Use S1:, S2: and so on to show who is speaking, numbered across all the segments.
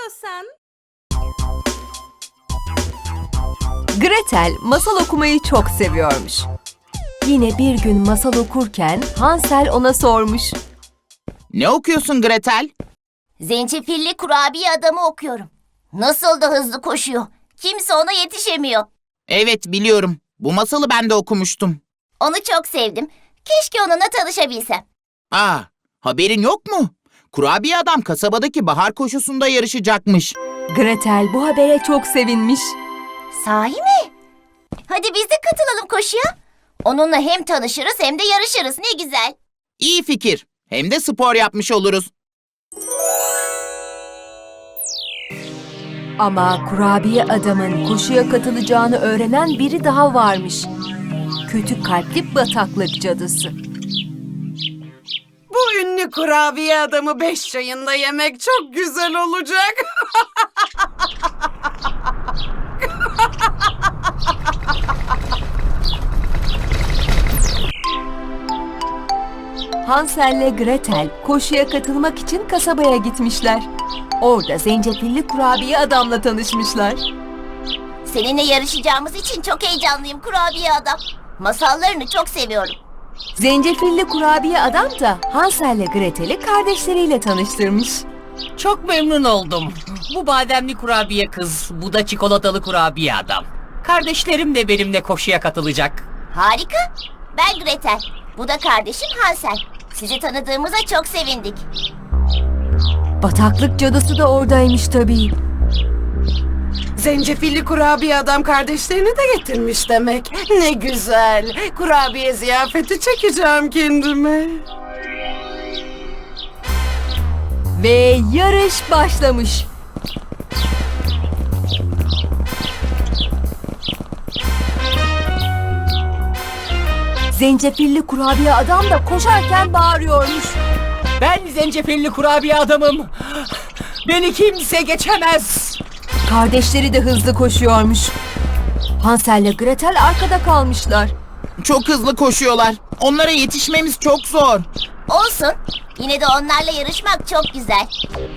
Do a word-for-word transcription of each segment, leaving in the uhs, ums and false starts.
S1: istiyorsan.
S2: Gretel masal okumayı çok seviyormuş. Yine bir gün masal okurken Hansel ona sormuş.
S3: Ne okuyorsun Gretel?
S4: Zencefilli kurabiye adamı okuyorum. Nasıl da hızlı koşuyor. Kimse ona yetişemiyor.
S3: Evet, biliyorum. Bu masalı ben de okumuştum.
S4: Onu çok sevdim. Keşke onunla tanışabilsem.
S3: Aa, haberin yok mu? Kurabiye adam kasabadaki bahar koşusunda yarışacakmış.
S2: Gretel bu habere çok sevinmiş.
S4: Sahi mi? Hadi biz de katılalım koşuya. Onunla hem tanışırız hem de yarışırız. Ne güzel.
S3: İyi fikir. Hem de spor yapmış oluruz.
S2: Ama kurabiye adamın koşuya katılacağını öğrenen biri daha varmış. Kötü kalpli bataklık cadısı.
S1: Bu ünlü kurabiye adamı beş çayında yemek çok güzel olacak.
S2: Hansel'le Gretel koşuya katılmak için kasabaya gitmişler. Orada zencefilli kurabiye adamla tanışmışlar.
S4: Seninle yarışacağımız için çok heyecanlıyım kurabiye adam. Masallarını çok seviyorum.
S2: Zencefilli kurabiye adam da Hansel'le Gretel'i kardeşleriyle tanıştırmış.
S5: Çok memnun oldum. Bu bademli kurabiye kız, bu da çikolatalı kurabiye adam. Kardeşlerim de benimle koşuya katılacak.
S4: Harika. Ben Gretel. Bu da kardeşim Hansel. Sizi tanıdığımıza çok sevindik.
S2: Bataklık cadısı da oradaymış tabii.
S1: Zencefilli kurabiye adam kardeşlerini de getirmiş demek. Ne güzel. Kurabiye ziyafeti çekeceğim kendime.
S2: Ve yarış başlamış. Zencefilli kurabiye adam da koşarken bağırıyormuş.
S5: Ben zencefilli kurabiye adamım. Beni kimse geçemez.
S2: Kardeşleri de hızlı koşuyormuş. Hansel ile Gretel arkada kalmışlar.
S3: Çok hızlı koşuyorlar. Onlara yetişmemiz çok zor.
S4: Olsun. Yine de onlarla yarışmak çok güzel.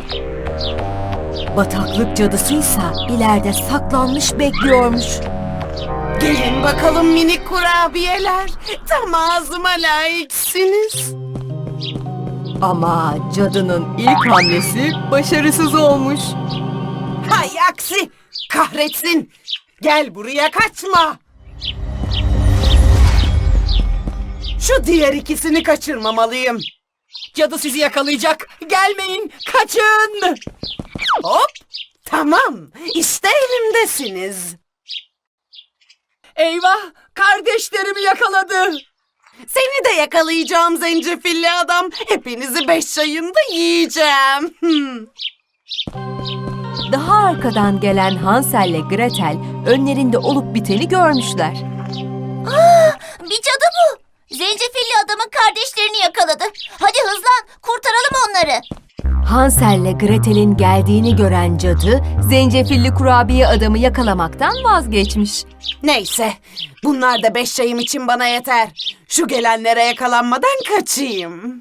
S2: Bataklık cadısıysa ileride saklanmış bekliyormuş.
S1: Gelin bakalım minik kurabiyeler. Tam ağzıma layıksınız.
S2: Ama cadının ilk hamlesi başarısız olmuş.
S1: Hay aksi. Kahretsin. Gel buraya kaçma. Şu diğer ikisini kaçırmamalıyım.
S5: Cadı sizi yakalayacak. Gelmeyin, kaçın.
S1: Hop. Tamam. İşte elimdesiniz.
S5: Eyvah, kardeşlerimi yakaladı.
S1: Seni de yakalayacağım zencefilli adam. Hepinizi beş çayında yiyeceğim. Hmm.
S2: Daha arkadan gelen Hansel ile Gretel önlerinde olup biteni görmüşler.
S4: Bir cadı bu. Zencefilli adamın kardeşlerini yakaladı. Hadi hızlan, kurtaralım onları.
S2: Hansel ile Gretel'in geldiğini gören cadı, zencefilli kurabiye adamı yakalamaktan vazgeçmiş.
S1: Neyse. Bunlar da beş çayım için bana yeter. Şu gelenlere yakalanmadan kaçayım.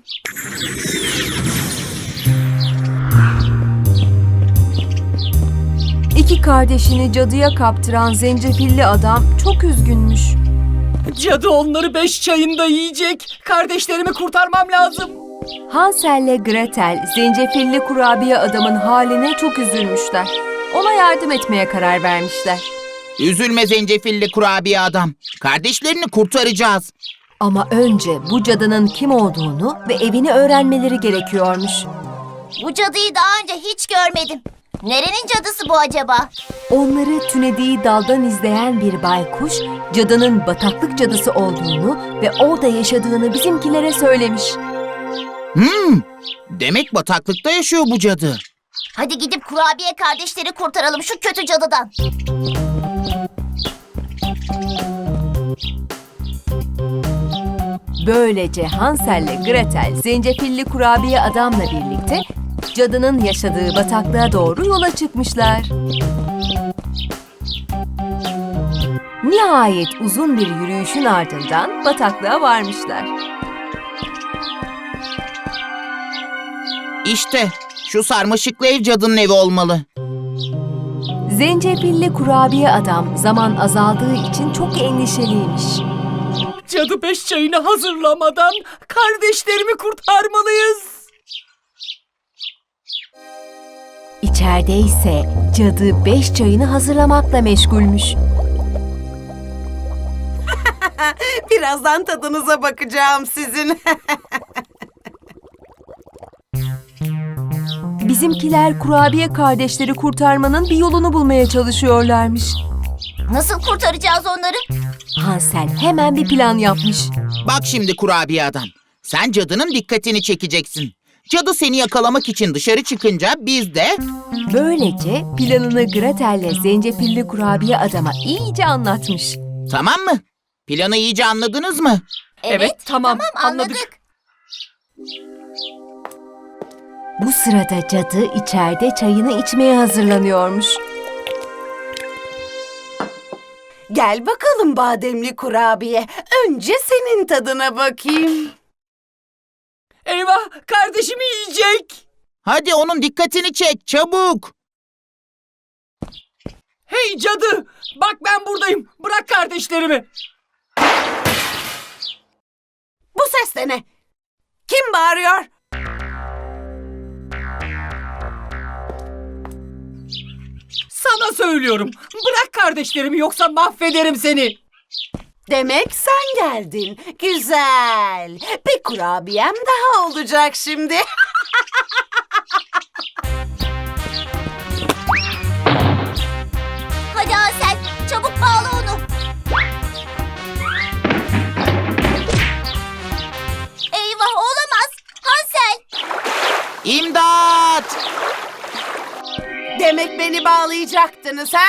S2: İki kardeşini cadıya kaptıran zencefilli adam çok üzgünmüş.
S5: Cadı onları beş çayında yiyecek. Kardeşlerimi kurtarmam lazım.
S2: Hansel ile Gretel, zencefilli kurabiye adamın haline çok üzülmüşler. Ona yardım etmeye karar vermişler.
S3: Üzülme zencefilli kurabiye adam. Kardeşlerini kurtaracağız.
S2: Ama önce bu cadının kim olduğunu ve evini öğrenmeleri gerekiyormuş.
S4: Bu cadıyı daha önce hiç görmedim. Nerenin cadısı bu acaba?
S2: Onları tünediği daldan izleyen bir baykuş, cadının bataklık cadısı olduğunu ve orada yaşadığını bizimkilere söylemiş.
S3: Hmm, demek bataklıkta yaşıyor bu cadı.
S4: Hadi gidip kurabiye kardeşleri kurtaralım şu kötü cadıdan.
S2: Böylece Hansel ile Gretel, zencefilli kurabiye adamla birlikte cadının yaşadığı bataklığa doğru yola çıkmışlar. Nihayet uzun bir yürüyüşün ardından bataklığa varmışlar.
S3: İşte şu sarmaşıklı ev cadının evi olmalı.
S2: Zencefilli kurabiye adam zaman azaldığı için çok endişeliymiş.
S5: Cadı beş çayını hazırlamadan kardeşlerimi kurtarmalıyız.
S2: İçeride ise cadı beş çayını hazırlamakla meşgulmüş.
S1: Birazdan tadınıza bakacağım sizin.
S2: Bizimkiler kurabiye kardeşleri kurtarmanın bir yolunu bulmaya çalışıyorlarmış.
S4: Nasıl kurtaracağız onları?
S2: Hansel hemen bir plan yapmış.
S3: Bak şimdi kurabiye adam. Sen cadının dikkatini çekeceksin. Cadı seni yakalamak için dışarı çıkınca biz de...
S2: Böylece planını Gretel'le zencefilli kurabiye adama iyice anlatmış.
S3: Tamam mı? Planı iyice anladınız mı?
S5: Evet, tamam,
S4: tamam anladık.
S5: anladık.
S2: Bu sırada cadı içeride çayını içmeye hazırlanıyormuş.
S1: Gel bakalım bademli kurabiye. Önce senin tadına bakayım.
S5: Eyvah, kardeşimi yiyecek.
S3: Hadi onun dikkatini çek çabuk.
S5: Hey cadı, bak ben buradayım. Bırak kardeşlerimi.
S1: Bu ses de ne? Kim bağırıyor?
S5: Sana söylüyorum. Bırak kardeşlerimi yoksa mahvederim seni.
S1: Demek sen geldin. Güzel. Bir kurabiyem daha olacak şimdi.
S4: Hadi Hansel, çabuk bağla onu. Eyvah, olamaz. Hansel.
S3: İmdat!
S1: Demek beni bağlayacaktınız ha?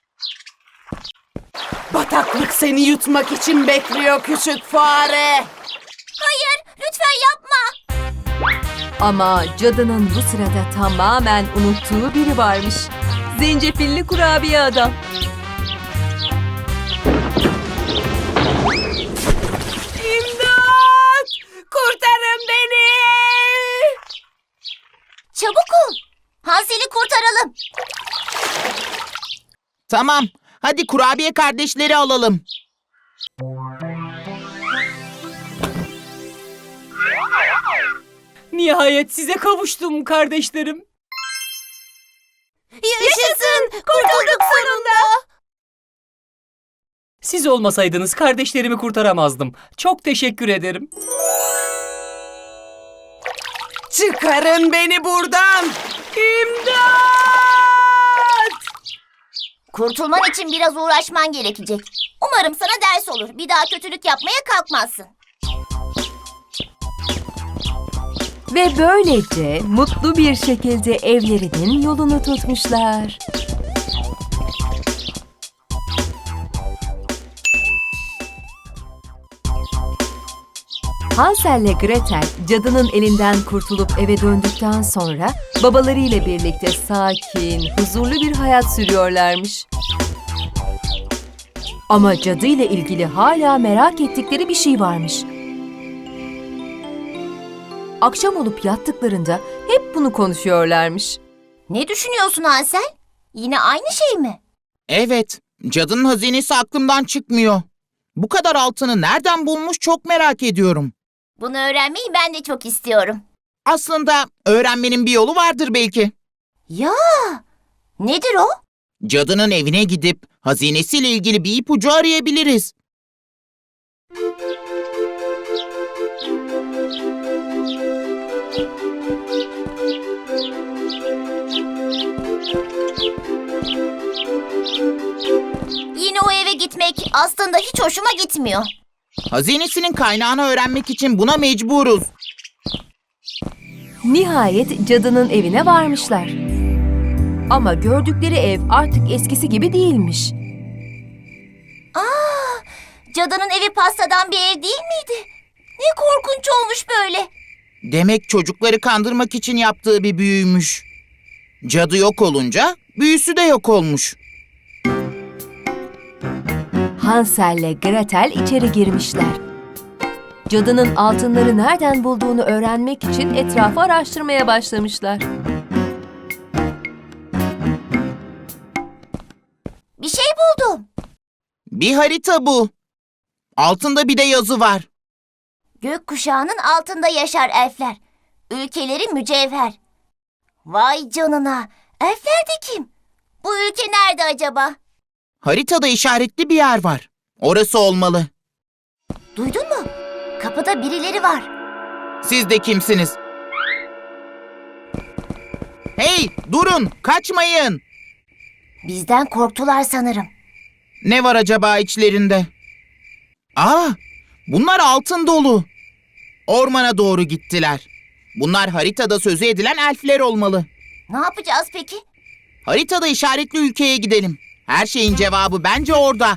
S1: Bataklık seni yutmak için bekliyor küçük fare.
S4: Hayır, lütfen yapma.
S2: Ama cadının bu sırada tamamen unuttuğu biri varmış. Zencefilli kurabiye adam.
S1: İmdat! Kurtarın beni!
S4: Çabuk ol. Hansel'i kurtaralım.
S3: Tamam. Hadi kurabiye kardeşleri alalım.
S5: Nihayet size kavuştum kardeşlerim.
S4: Yaşasın, kurtulduk sonunda.
S5: Siz olmasaydınız kardeşlerimi kurtaramazdım. Çok teşekkür ederim.
S1: Çıkarın beni buradan! İmdat!
S4: Kurtulman için biraz uğraşman gerekecek. Umarım sana ders olur. Bir daha kötülük yapmaya kalkmazsın.
S2: Ve böylece mutlu bir şekilde evlerinin yolunu tutmuşlar. Hansel ile Gretel cadının elinden kurtulup eve döndükten sonra babalarıyla birlikte sakin, huzurlu bir hayat sürüyorlarmış. Ama cadı ile ilgili hala merak ettikleri bir şey varmış. Akşam olup yattıklarında hep bunu konuşuyorlarmış.
S4: Ne düşünüyorsun Hansel? Yine aynı şey mi?
S3: Evet, cadının hazinesi aklımdan çıkmıyor. Bu kadar altını nereden bulmuş çok merak ediyorum.
S4: Bunu öğrenmeyi ben de çok istiyorum.
S3: Aslında öğrenmenin bir yolu vardır belki.
S4: Ya, nedir o?
S3: Cadının evine gidip hazinesiyle ilgili bir ipucu arayabiliriz.
S4: Yine o eve gitmek aslında hiç hoşuma gitmiyor.
S3: Hazinesinin kaynağını öğrenmek için buna mecburuz.
S2: Nihayet cadının evine varmışlar. Ama gördükleri ev artık eskisi gibi değilmiş.
S4: Aa, cadının evi pastadan bir ev değil miydi? Ne korkunç olmuş böyle.
S3: Demek çocukları kandırmak için yaptığı bir büyüymüş. Cadı yok olunca büyüsü de yok olmuş.
S2: Hansel ile Gretel içeri girmişler. cadının altınları nereden bulduğunu öğrenmek için etrafı araştırmaya başlamışlar.
S4: Bir şey buldum.
S3: Bir harita bu. Altında bir de yazı var.
S4: Gökkuşağının altında yaşar elfler. Ülkeleri mücevher. Vay canına. Elfler de kim? Bu ülke nerede acaba?
S3: Haritada işaretli bir yer var. Orası olmalı.
S4: Duydun mu? Kapıda birileri var.
S3: Siz de kimsiniz? Hey, durun, kaçmayın.
S4: Bizden korktular sanırım.
S3: Ne var acaba içlerinde? Aa, bunlar altın dolu. Ormana doğru gittiler. Bunlar haritada sözü edilen elfler olmalı.
S4: Ne yapacağız peki?
S3: Haritada işaretli ülkeye gidelim. Her şeyin cevabı bence orada.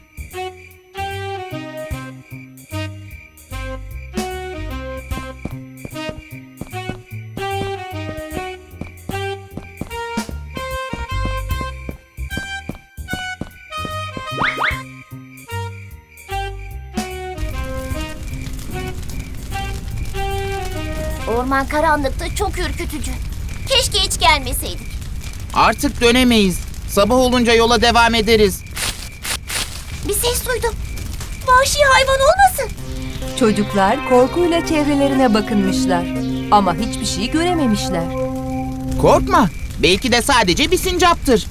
S4: Orman karanlıkta çok ürkütücü. Keşke hiç gelmeseydik.
S3: Artık dönemeyiz. Sabah olunca yola devam ederiz.
S4: Bir ses duydum. Vahşi hayvan olmasın?
S2: Çocuklar korkuyla çevrelerine bakınmışlar ama hiçbir şey görememişler.
S3: Korkma. Belki de sadece bir sincaptır.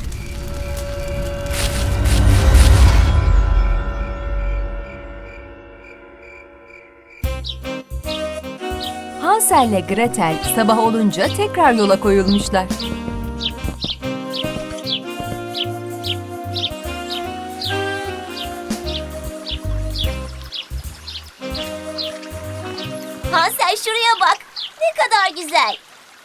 S2: Hansel ile Gretel sabah olunca tekrar yola koyulmuşlar.
S4: Hansel şuraya bak. Ne kadar güzel.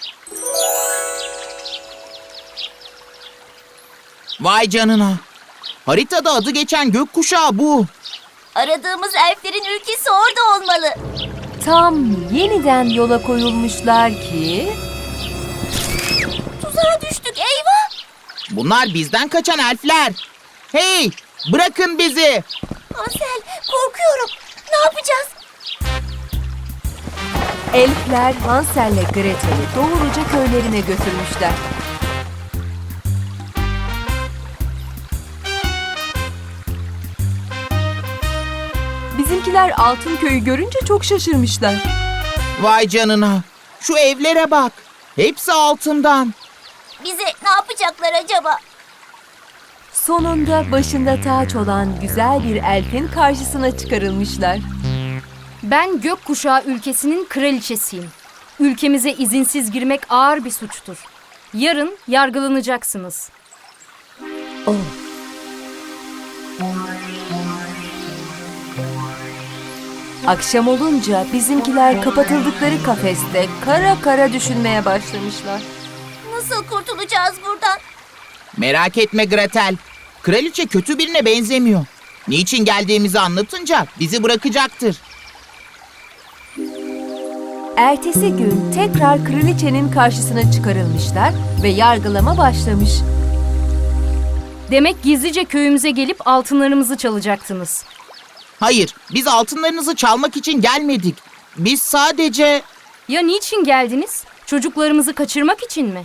S3: Vay canına. Haritada adı geçen gökkuşağı bu.
S4: Aradığımız elflerin ülkesi orada olmalı.
S2: Tam yeniden yola koyulmuşlar ki...
S4: Tuzağa düştük, eyvah.
S3: Bunlar bizden kaçan elfler. Hey, bırakın bizi.
S4: Hansel, korkuyorum. Ne yapacağız?
S2: Elfler Hansel ile Gretel'i doğruca köylerine götürmüşler. Bizimkiler Altın Köy'ü görünce çok şaşırmışlar.
S3: Vay canına. Şu evlere bak. Hepsi altından.
S4: Bize ne yapacaklar acaba?
S2: Sonunda başında taç olan güzel bir elfin karşısına çıkarılmışlar.
S6: Ben Gökkuşağı ülkesinin kraliçesiyim. Ülkemize izinsiz girmek ağır bir suçtur. Yarın yargılanacaksınız.
S2: Oh. Akşam olunca bizimkiler kapatıldıkları kafeste kara kara düşünmeye başlamışlar.
S4: Nasıl kurtulacağız buradan?
S3: Merak etme Gretel. Kraliçe kötü birine benzemiyor. Niçin geldiğimizi anlatınca bizi bırakacaktır.
S2: Ertesi gün tekrar kraliçenin karşısına çıkarılmışlar ve yargılama başlamış.
S6: Demek gizlice köyümüze gelip altınlarımızı çalacaktınız.
S3: Hayır, biz altınlarınızı çalmak için gelmedik. Biz sadece...
S6: Ya niçin geldiniz? Çocuklarımızı kaçırmak için mi?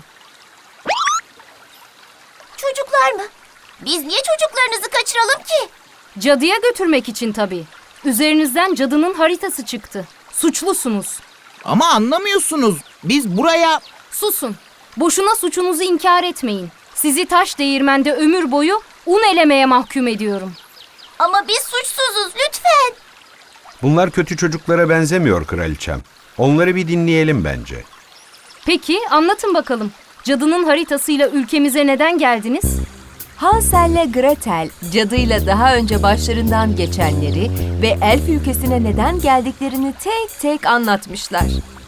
S4: Çocuklar mı? Biz niye çocuklarınızı kaçıralım ki?
S6: Cadıya götürmek için tabii. Üzerinizden cadının haritası çıktı. Suçlusunuz.
S3: Ama anlamıyorsunuz. Biz buraya...
S6: Susun. Boşuna suçunuzu inkar etmeyin. Sizi taş değirmende ömür boyu un elemeye mahkum ediyorum.
S4: Ama biz suçsuzuz, lütfen.
S7: Bunlar kötü çocuklara benzemiyor kraliçem. Onları bir dinleyelim bence.
S6: Peki anlatın bakalım. Cadının haritasıyla ülkemize neden geldiniz?
S2: Hansel ile Gretel cadıyla daha önce başlarından geçenleri ve elf ülkesine neden geldiklerini tek tek anlatmışlar.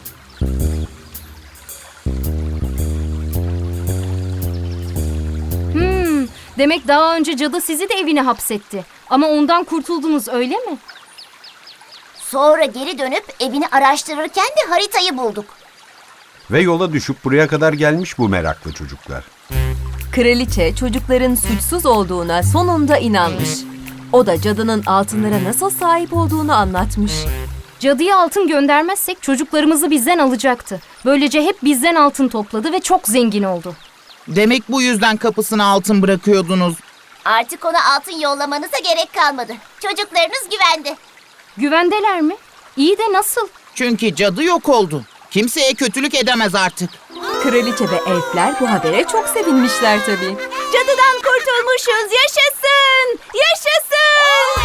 S6: Hmm, demek daha önce cadı sizi de evine hapsetti. Ama ondan kurtuldunuz öyle mi?
S4: Sonra geri dönüp evini araştırırken de haritayı bulduk.
S7: Ve yola düşüp buraya kadar gelmiş bu meraklı çocuklar.
S2: Kraliçe çocukların suçsuz olduğuna sonunda inanmış. O da cadının altınlara nasıl sahip olduğunu anlatmış.
S6: Cadıya altın göndermezsek çocuklarımızı bizden alacaktı. Böylece hep bizden altın topladı ve çok zengin oldu.
S3: Demek bu yüzden kapısına altın bırakıyordunuz.
S4: Artık ona altın yollamanıza gerek kalmadı. Çocuklarınız güvende.
S6: Güvendeler mi? İyi de nasıl?
S3: Çünkü cadı yok oldu. Kimseye kötülük edemez artık.
S2: Kraliçe ve elfler bu habere çok sevinmişler tabii. Cadıdan kurtulmuşuz, yaşasın! Yaşasın!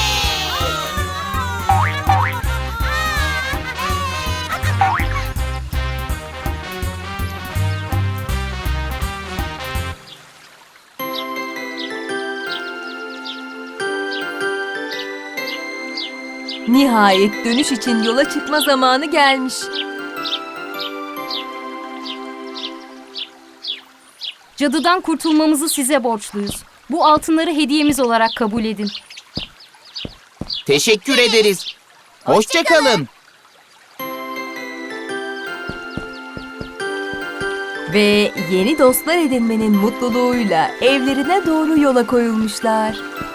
S2: Nihayet dönüş için yola çıkma zamanı gelmiş.
S6: Cadıdan kurtulmamızı size borçluyuz. Bu altınları hediyemiz olarak kabul edin.
S3: Teşekkür ederiz. Hoşça kalın.
S2: Ve yeni dostlar edinmenin mutluluğuyla evlerine doğru yola koyulmuşlar.